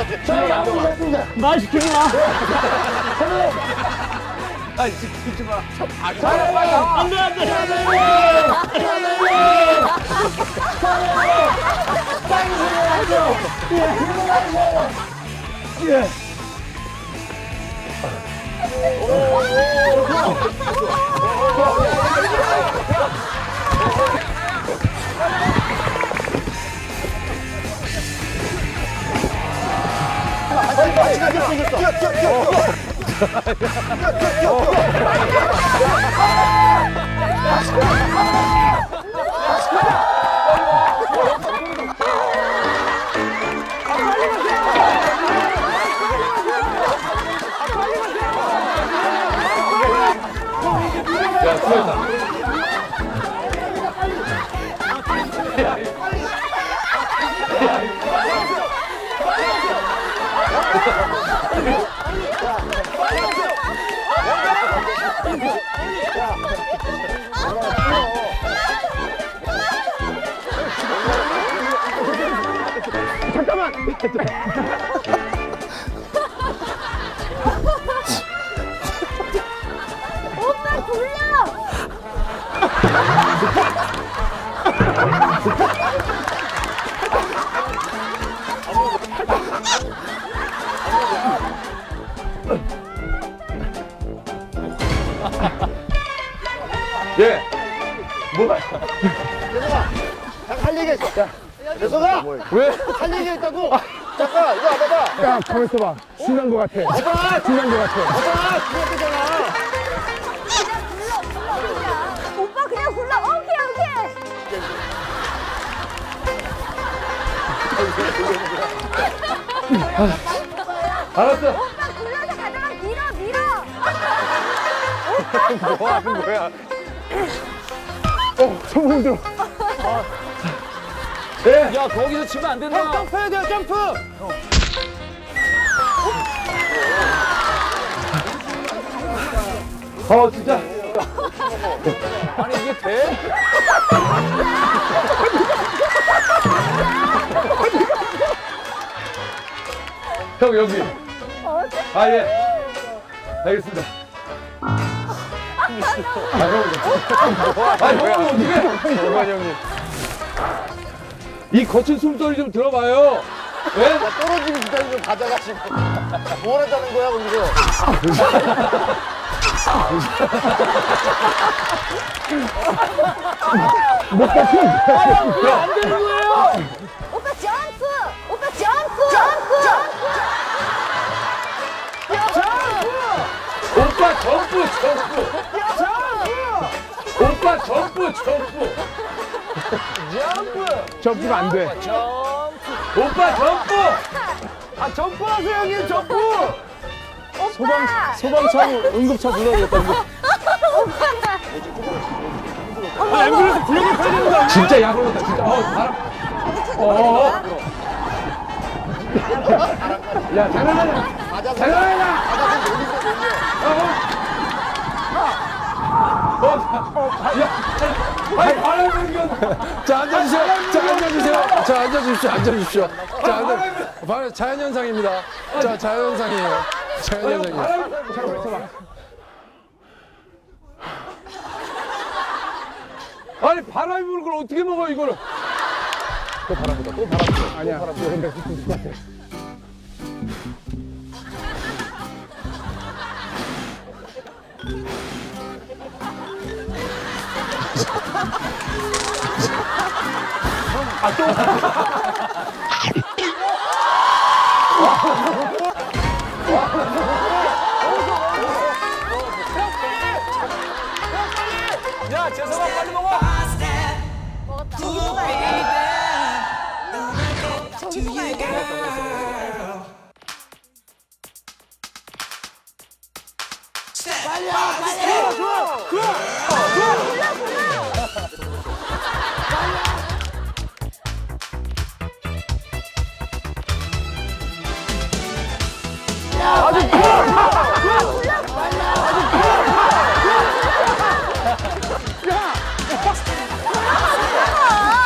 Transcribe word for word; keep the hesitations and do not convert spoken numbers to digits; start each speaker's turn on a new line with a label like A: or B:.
A: 말 시키지 마.
B: 아, 시키지 마.
A: 안 돼, 안 돼.
C: 예.
B: 야, 수고했다.
C: 잠깐만.
D: 오빠 돌려!
B: 예. 뭐야?
C: 할 얘기가 있어. 야, 녀석아.
B: 왜?
C: 할 얘기가 있다고. 잠깐, 이거 와봐봐. 야, 가만 있어봐. 신난 거 같아. 봐봐. 신난 거 같아. 봐봐. 신났잖아.
D: 오빠 그냥 골라. 오케이 오케이.
B: 알았어.
D: 오빠 굴려서 가다가 밀어 밀어.
B: 뭐 하는 거야?
C: 어, 소문 들어.
B: 예.
A: 야, 거기서 치면 안 된다.
C: 점프해야 돼요, 점프.
B: 어, 진짜.
A: 아니, 이게 돼?
B: 형, 여기. 아, 예. 알겠습니다. 아, 형. 아, 형, 어떻게? 정관 형님. 이 거친 숨소리 좀 들어봐요. 예?
C: 떨어지는 기다리 좀 가져가시고. 뭘 하자는 거야, 거기서?
A: 안 되는 거예요.
D: 오빠 점프. 오빠 점프. 점프.
B: 오빠 점프, 점프. 오빠 점프, 점프.
C: 점프가 안 돼.
B: 오빠 점프.
C: 아, 점프하세요, 형님, 점프.
D: 오빠.
A: 소방차, 응급차 불러야겠다. 아, 앰뷸런스 불러야 되는 거 아니야?
B: 진짜 약올랐다, 진짜. 어, 바람. 어. 야, 장난하냐? 장난하냐? 어, 어, 야, 아니, 바람 불면.
E: 자, 앉아주세요. 자, 앉아주세요. 자, 앉아주십시오. 앉아주십시오. 자, 앉아. 바로 자연현상입니다. 자, 자연현상이에요. 자연현상이에요.
B: 아니, 바람이 부는 걸 어떻게 먹어, 이거를?
C: 아니야, 근데 똑같아.
A: 야, 재성아, 빨리 먹어.
D: 먹었다. 저기도 가야 돼. 저기도 가야 돼.